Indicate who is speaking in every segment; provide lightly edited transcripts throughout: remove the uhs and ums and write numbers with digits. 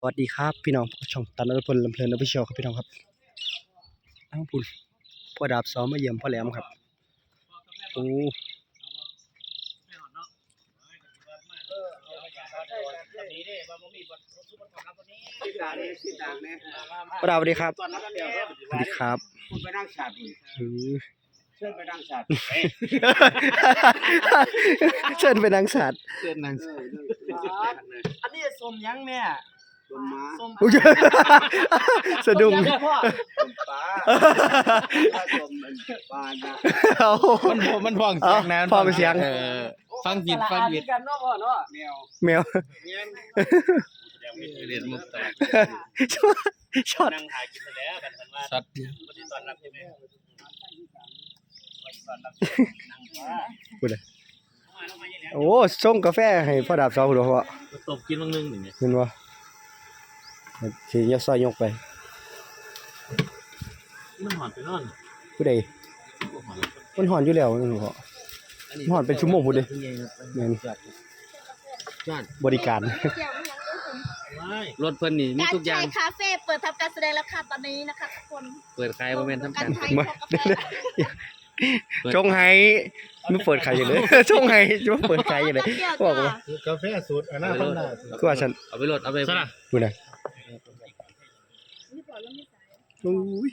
Speaker 1: วัสดีครับพี่น้องช่องตันนรพลลำเพลินออฟฟิเชียลครับพี่น้องครับอ้าวพุ่นพ่อดาบซ้อมมาเยี่ยมพ่อแหลมครับโอ้พ่อดาบสวัสดีครับสวัสดีครับ
Speaker 2: คุณไปนั่งฉากเชิญไปนั่งฉาก
Speaker 1: เชิญไปนางสัตว์
Speaker 2: อันนี้สมยังแม่สมม้า
Speaker 1: สะดุ้ง
Speaker 2: สมปลาสมปลา
Speaker 3: มันฟังเสียงนั้น
Speaker 1: ฟังเสียง
Speaker 3: ฟังผิด
Speaker 2: กันเนาะพ่อเนาะ
Speaker 1: แมว
Speaker 3: เรียนมุกตลอด
Speaker 1: ช็อต
Speaker 3: นั่งถ่ายกินไปแล้วกันว่าช็อตวันนี้ตอนรับใช่ไหม
Speaker 1: พูดเลยโอ้ส่งกาแฟให้พ่อดาบซ้อมดูพ่อ
Speaker 3: ตบกินบางนึงอย่างเงี้ย
Speaker 1: เห็นบ่สิยกซอยยกไป
Speaker 3: มันหอนไปนอน
Speaker 1: ผู้ใดมันหอนอยู่แล้วนึงพ่อหอนเป็นชั่วโมงพุ่นเด้แม่นบริการ
Speaker 3: รถเพิ่นนี่มีทุกอย่าง
Speaker 4: คาเฟ่เปิดทำการแสดงแล้วค่ะตอนนี้นะคะทุกคน
Speaker 3: เปิดขายบ่แม่นทำการ
Speaker 1: จงให้มันเปิดขายอยู่เลยจงให้มันเปิดขายอยู่เลยบอกว่
Speaker 2: ากาแฟสูตรอนาคต
Speaker 1: คือว่าฉัน
Speaker 3: เอาไปรถเอาไปซะนะ
Speaker 1: พูดน่ะโอ้ย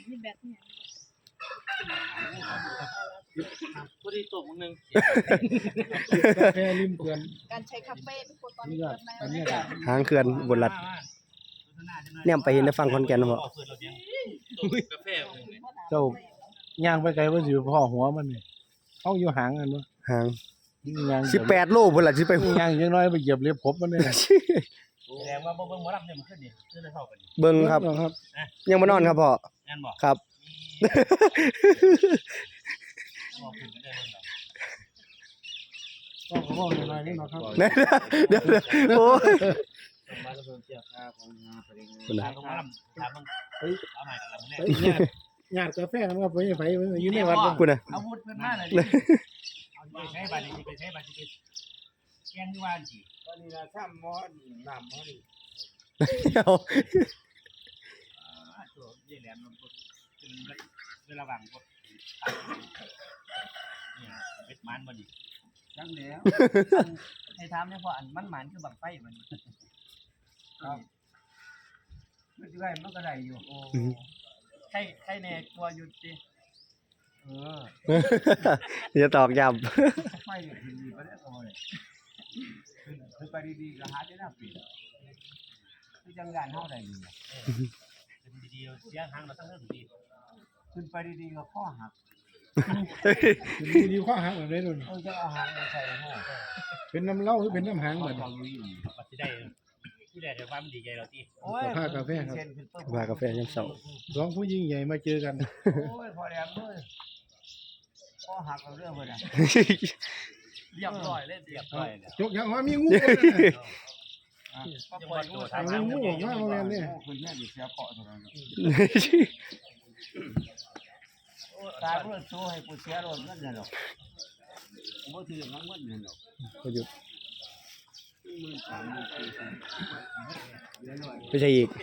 Speaker 3: พอดีตบมึงนึง
Speaker 2: กาแฟริมเขื่อน
Speaker 4: การใช้คาเฟ่ทุกคนตอนนี้
Speaker 1: หางเขื่อนบนรัดเนี่ยไปเห็นได้ฟังคอนแก่นบ่
Speaker 3: กาแฟ
Speaker 2: เจ้าย่างไปไกลว่าสิพ่อหัวมันนี่เฮาอยู่หางกันบ่
Speaker 1: หาง
Speaker 2: ย่าง
Speaker 1: 18โลพุ่นล่ะสิไป
Speaker 2: ย่างจังน้อยไปเหยียบเล็บผมมันนี่
Speaker 3: แสดงว่าเบิ่งหมอลำเนี่ยมันขึ้นนี่ขึ้นได้เท่ากัน
Speaker 1: เบิ่งครับยังบ่นอนครับพ่อ
Speaker 3: แม่นบ่
Speaker 1: ครับ
Speaker 2: ก็บอกหน่อยนี่เนาะครับ
Speaker 1: เดี๋ยวโอ้ย
Speaker 2: มาเพิ่มเจ้าค่าของงานปริญญา
Speaker 3: ถามมึงเอาใหม่กันแล้ว
Speaker 2: เนี่ยญาติกาแฟมันก็ไปอยู่ในวัด
Speaker 1: กูน่ะ
Speaker 3: อาวุธเพิ่นมาเลยเอาไปใช้บัตรไปใช้บัตรสิแกงอยู่ว่าสิ
Speaker 2: ตอนนี้น่ะซ้ำหม้อน้ำหม้อนี่
Speaker 1: เอา
Speaker 3: ตัวเยี่ยแหลมมันเวลาว่างกดเนี่ยเม็ดมันบ่ดี
Speaker 2: จังแล้ว
Speaker 3: ให้ถามเนี่ยพออันมันหมานคือบังไฟมัน
Speaker 2: ครับมันสิได้มันก็ได้อยู่โอ้
Speaker 3: ใครแน่กลัวอยู่ติ
Speaker 1: จะตอกย้
Speaker 2: ำไม่ดีบ่ได้โอ้ยคือไปดีๆก็หาได้น่าปิดคือจังงานเฮาได้อยู่
Speaker 3: ขึ้นดีๆเสียงหางมาทั้งเรื่องดี
Speaker 2: ขึ้นไปดีๆก็ข้อหักดีๆข้อหักแบบนี้นู่นจะเอาหางมาใส่ห้อเป็นน้ำเหล้าหรือเป็นน้ำหางเหมือน
Speaker 3: ปัดสิได้ผู้ใดจะว่ามันดีใจเราติ
Speaker 2: โอ้ยผ้ากาแฟครับ
Speaker 1: ผ้ากาแฟยามเช้า
Speaker 2: สองผู้ยิ่งใหญ่มาเจอกัน
Speaker 3: โอ้ยพอแหลมเอ้ยข้อหักเรื่องเพิ่นน่ะเรียบร้อยเลยเรียบร้อยเนี่ย
Speaker 2: ยกอย่างว่ามีงู
Speaker 3: ก็ปล่อยงูทาง
Speaker 2: งูออกมาโรงแรมเนี่ยคุณแม่ดิเสียเกาะเท่านั้นตายเพื่อสู้ให้กูเสียรถนั่นแหละหรอกบ่ถือมันเงินนั่นหรอก
Speaker 1: ประยุทธ์ไม่ใช่อีก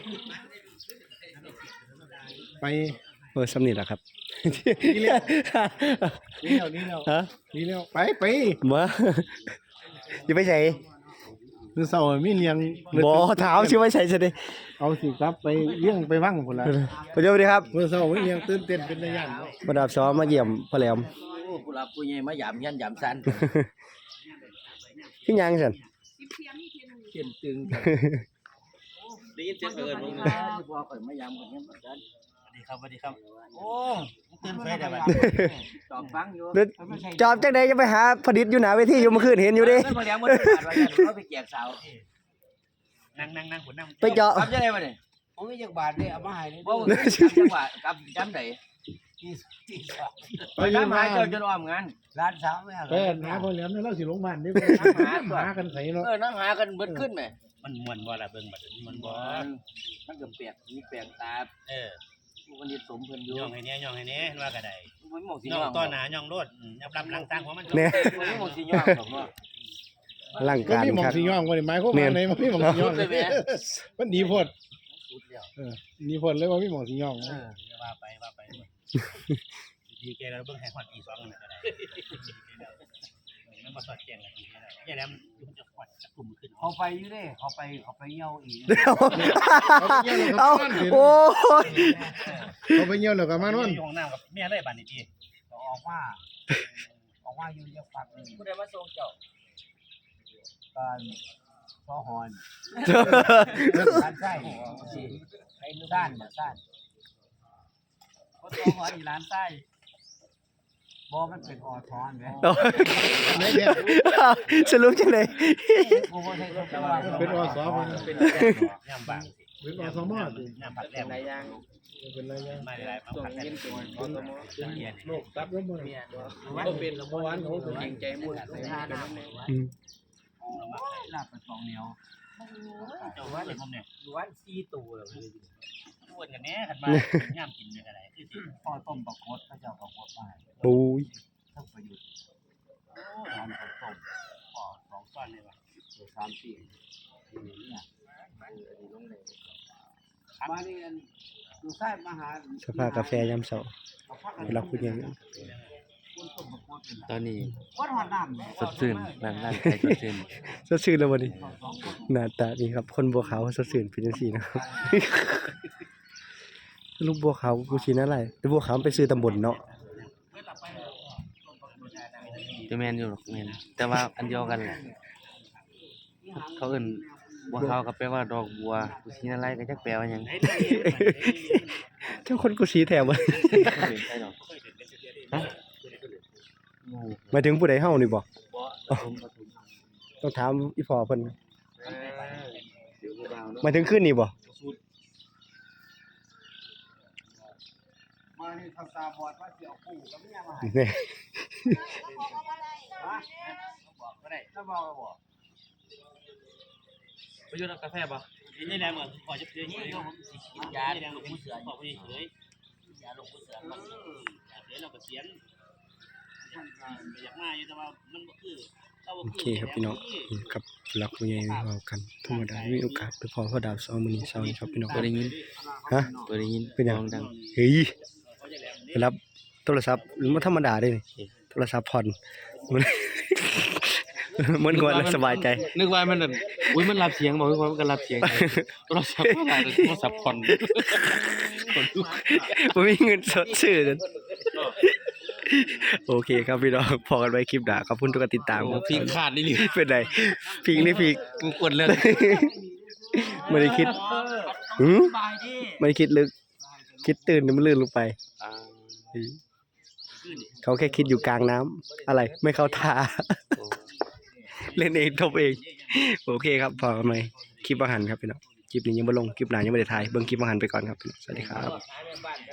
Speaker 2: ไป
Speaker 1: สำนีแหละครับ
Speaker 2: นี่แล้ว
Speaker 1: ฮะ
Speaker 2: นี่แล้วไป
Speaker 1: มาจะไปใส่
Speaker 2: คือเสาร์มีเลี้ยง
Speaker 1: บ่ถามชื่อไม่ใช่ซะดิ
Speaker 2: เอาสิครับไปเลี้ยงไปวังพุ่นล่ะ
Speaker 1: สวัสดีครับ
Speaker 2: เมื่อเสาร์มีเลี้ยงตื่นเต้นเป็นระยะ
Speaker 1: ประดับซ้อมมาเยี่ยมพ่อแหลม
Speaker 3: โอ้ผู้หลักผู้ใหญ่มาหยามยันหยามซัน
Speaker 1: ที่ยังซั่น
Speaker 3: เขียนตึงได้ยินเสียงเอิ้นบ่พอข่อยมายามกันยังบ่ซันสวัสดีครับโอ้ตื่นไฟได้บ่จอบฟังอยู่
Speaker 1: จอบจังได๋จะไปหาผลิตอยู่หน้าเวทีอยู่เมื่อคืนเห็นอยู่เด้
Speaker 3: พ่อแหลมบ่ได้บาดว่าเขาไปแจกสาวนั่งผมนั่ง
Speaker 1: ไปเจาะ
Speaker 3: ครับจังได๋บ่นี่
Speaker 2: ผมมีจักบาทนี่เอามาให้นี่
Speaker 3: บ่จังหวะกับจำได้ไปหาเจ้าจนอ้อมงาน
Speaker 2: ร้านสาวแม่ไปหาพ่อแหลมนี่เราสิลงบ้านนี่หากันไสเนาะ
Speaker 3: นั่งหากันเบิดขึ้นแม่มันม่วนบ่ล่ะเบิ่งบัดมันบ่มันก็แปลกมีแปลกตามันนี่สมเพิ่นอยู่ย่องให้แน่ว่าก็ได้ย่องต่อหน้าย่องโลดยับรับหลังทางของมัน
Speaker 1: แน่
Speaker 3: มันสิย่องดอกเนาะ
Speaker 1: อลัง
Speaker 5: บ่
Speaker 1: การ
Speaker 5: มีหม่อ
Speaker 1: ค
Speaker 5: ง
Speaker 1: รับ
Speaker 5: สิย่องบ่ได้หมายความว่าไหนบ่มีหม่องสิย่องมันดีโพด
Speaker 3: สุดแล้ว
Speaker 5: ดีโพดเลยว่ามีหม่องสิย่อง
Speaker 3: ว่าไปดีแกแล้วเบิ่งให้ฮอดอี2นี่ก็ได้มันบ่สอดแจ้งกันอีกแล้วแย่แล้วมันจะฮอดจะกลุ่มขึ้น
Speaker 2: เขาไปอยู่เด้เขาไปเหี่ยวอีก
Speaker 1: เอาโอ้ย
Speaker 5: เขาไปเหี่ยวแล้วก็มานอน
Speaker 3: อยู่ห้องน้ำกับแม่เลยบัดนี้ติ
Speaker 2: ก็ออกมาอยู่เรียกฝักหนึง
Speaker 3: ผู้ใดมาส่งเจ้า
Speaker 2: การซอหอนด้านใต้ไอ้ด้านด้าน
Speaker 3: บ่ส่งหออีร้านใต้
Speaker 2: บ่มันเป็นออทอนแหม
Speaker 5: ไหนแท้
Speaker 1: สรุปจังได๋
Speaker 2: กูบ่ได้ก็ว่า
Speaker 5: เป็นอสเพิ่น
Speaker 3: เป็นย่ำบางสิ
Speaker 5: เป็นอสมติ
Speaker 3: ย่ำผัดแหลม
Speaker 5: เป็นไรยัง
Speaker 3: มาหลายๆผัดแหลมเป็นอสมเรียน
Speaker 5: โลกตัดลงบ่
Speaker 3: บ่เป็นละ
Speaker 5: เมื่อวานเขาถึง
Speaker 3: เก่งใจมุ่น
Speaker 1: อืม
Speaker 2: ลาบเป็น2เหนียว
Speaker 3: เจ้าว่าเลยผมเนี่ยล้วน4ตัวแล้วอ้วนกันแน่คันมาย่ำกินเนี่ยก็ได้คือสิ
Speaker 2: พ่อต้มบักกดเขาเจ้าบักกดมาให้
Speaker 1: โอ้ย
Speaker 2: ทั้งประยุทธ์
Speaker 3: โอ้ทานข้าวต้มพอ2ก้อนเลยว่ะ
Speaker 2: 3 4เนี่ยมานี่อันดูใส่มาหา
Speaker 1: สภากาแฟยามเช้าเวลาคุณยัง
Speaker 6: ตอนนี้
Speaker 2: วัดหอดน้ำ
Speaker 6: สดชื่นร่างกายสดชื่น
Speaker 1: สดชื่นแล้ววันนี้หน้าตานี่ครับ คนบัวขาวสดชื่นเป็นจังซี่นะครับ ลูกบัวขาวกูสินั่นอะไรแต่บัวขาวมันไปซื้อตำบลเนาะ
Speaker 6: จะแม่นอยู่หรอกแม่นแต่ว่าอันเดียวกันแหละเขาเอิ้นบัวขาวก็แปลว่าดอกบัวกุชินาไลก็จักแปลว่าหยัง
Speaker 1: เจ้าคนกูสีแถวบ่
Speaker 6: บ่เป็นไผดอกฮะโอ้
Speaker 1: หมายถึงผู้ใดเฮานี่บ่
Speaker 6: บ่ผมบ่ถูก
Speaker 1: ต้องถามอีพ่อเพิ่น
Speaker 6: เดี๋ยวบ่ดาวเนาะ
Speaker 1: หมายถึงคืนนี้บ่
Speaker 2: มานี่ทำตาบอดว่าสิเอาปูกับเมียมาให้
Speaker 1: นี่
Speaker 2: ฮะบอกก็ได้ถ้าบอกก็บอก
Speaker 3: ไปอยู่กาแฟบ่นี่แหละเหมือนขอจะเพื่อนี่ผมสิกินยาลงมือเสือขอไปเฉยยาลงมือเสือมันเดี๋ยวเราก็เสียนอยากมาอยู่แต่ว่ามันบ่คือเราบ่
Speaker 1: โอ
Speaker 3: คือ
Speaker 1: เคครับพี่น้องกับรักผู้ใหญ่เว้ากันธรรมดามีโอกาสไปพอพ่อดาว2มื้อนี้เช้านี้ครับพี่น้อง
Speaker 6: บ่ได้ยิน
Speaker 1: ฮะ
Speaker 6: บ่ได้ยิน
Speaker 1: เป็นหยัง
Speaker 6: ร้องดัง
Speaker 1: เฮ้ยไปรับโทรศัพท์มันธรรมดาเด้นี่โทรศัพท์ผ่อนมันกวนแล้วสบายใจ
Speaker 6: นึกว่ามันแบบอุ๊ยมันรับเสียงบ่คือว่ามันก็รับเสียงโทรศัพท์บ่ได้โทรศัพท์ผ่อนคนลุก
Speaker 1: บ่มีเงินสดซื้อนั่นโอเคครับพี่น้องพอกันไว้คลิปหน้าขอบคุณทุกการติดตามครับ
Speaker 6: พิงขาดนี่หรือ
Speaker 1: เป็นไรพิงนี่พิง
Speaker 6: กูกดเลย
Speaker 1: ไม่ได้คิดไม่ได้คิดลึก คิดตื่นเดี๋ยวมันลื่นลงไป เขาแค่คิดอยู่กลางน้ำอะไรไม่เข้าท่า เล่นเองทบเอง โอเคครับพอกันไหมคลิปอาหารครับพี่น้องคลิปนี้ยังไม่ลงคลิปหน้ายังไม่ได้ถ่ายเบิ่งคลิปอาหารไปก่อนครับพี่น้องสวัสดีครับ